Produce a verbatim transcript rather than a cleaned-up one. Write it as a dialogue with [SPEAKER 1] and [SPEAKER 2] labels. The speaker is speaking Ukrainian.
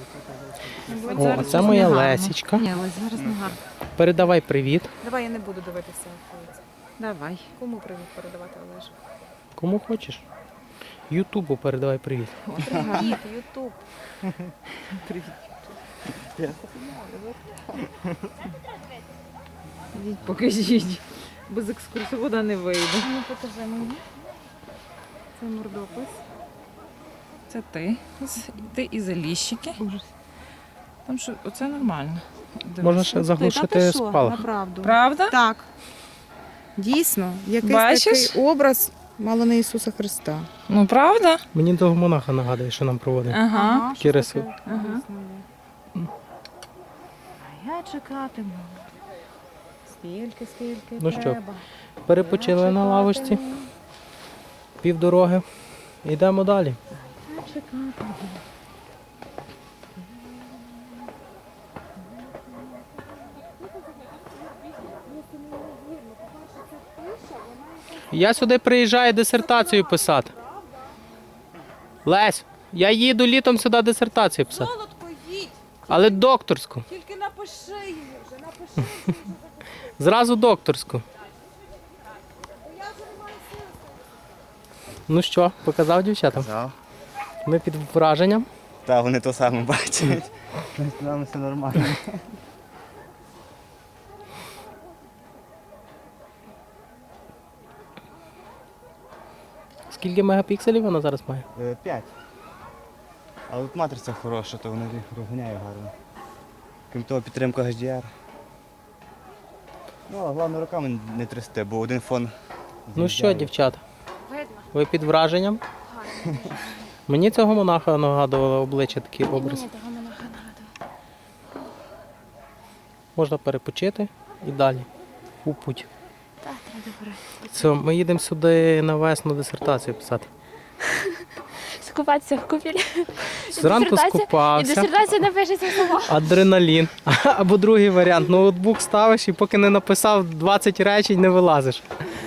[SPEAKER 1] О, це моя Лесічка.
[SPEAKER 2] Ні, Лесь, зараз не гарно.
[SPEAKER 1] Передавай привіт.
[SPEAKER 3] Давай я не буду дивитися.
[SPEAKER 2] Давай.
[SPEAKER 3] Кому привіт передавати, Олеже?
[SPEAKER 1] Кому хочеш. Ютубу передавай привіт.
[SPEAKER 3] Привіт, Ютуб.
[SPEAKER 2] Ідіть, покажіть. Без екскурсовода не вийде.
[SPEAKER 3] Ну, покажи мені. Це мордопис.
[SPEAKER 2] Це ти. Ти і заліщики. Там що, оце нормально. Дивись.
[SPEAKER 1] Можна ще заглушити спалах.
[SPEAKER 3] Направду.
[SPEAKER 2] Правда?
[SPEAKER 3] Так. Дійсно, якийсь
[SPEAKER 2] Бачиш?
[SPEAKER 3] такий образ мало не Ісуса Христа.
[SPEAKER 2] Ну, правда?
[SPEAKER 1] Мені того монаха нагадує, що нам проводить.
[SPEAKER 2] Ага.
[SPEAKER 1] Такі риси.
[SPEAKER 2] Ага.
[SPEAKER 3] А я чекатиму. Скільки, скільки
[SPEAKER 1] Ну що,
[SPEAKER 3] треба.
[SPEAKER 1] Перепочили на лавочці, півдороги. Йдемо далі.
[SPEAKER 3] Я чекатиму.
[SPEAKER 1] Я сюди приїжджаю дисертацію писати. Лесь, я їду літом сюди дисертацію писати.
[SPEAKER 3] Солодко їдь,
[SPEAKER 1] Але докторську.
[SPEAKER 3] тільки напиши її вже, напиши.
[SPEAKER 1] Зразу докторську. Ну що, показав дівчатам?
[SPEAKER 4] Так.
[SPEAKER 1] Ми під враженням.
[SPEAKER 4] Та вони то саме бачать. З нами все нормально.
[SPEAKER 1] Скільки мегапікселів вона зараз має?
[SPEAKER 4] Е, П'ять. Але тут матриця хороша, то вона розганяє гарно. Крім того, підтримка ейч ді ар. Ну, а головне руками не трясти, бо один фон.
[SPEAKER 1] Ну що,
[SPEAKER 4] з'їжджає.
[SPEAKER 1] дівчата, ви під враженням? Мені цього монаха нагадувало обличчя, такий образ. Можна перепочити і далі. У путь.
[SPEAKER 5] Так, треба добре.
[SPEAKER 1] Все, ми їдемо сюди на весну дисертацію писати.
[SPEAKER 5] Скупатися в купілі.
[SPEAKER 1] Зранку
[SPEAKER 5] І
[SPEAKER 1] скупався,
[SPEAKER 5] дисертація напишеться сама.
[SPEAKER 1] адреналін. Або другий варіант, ноутбук ставиш і поки не написав двадцять речень, не вилазиш.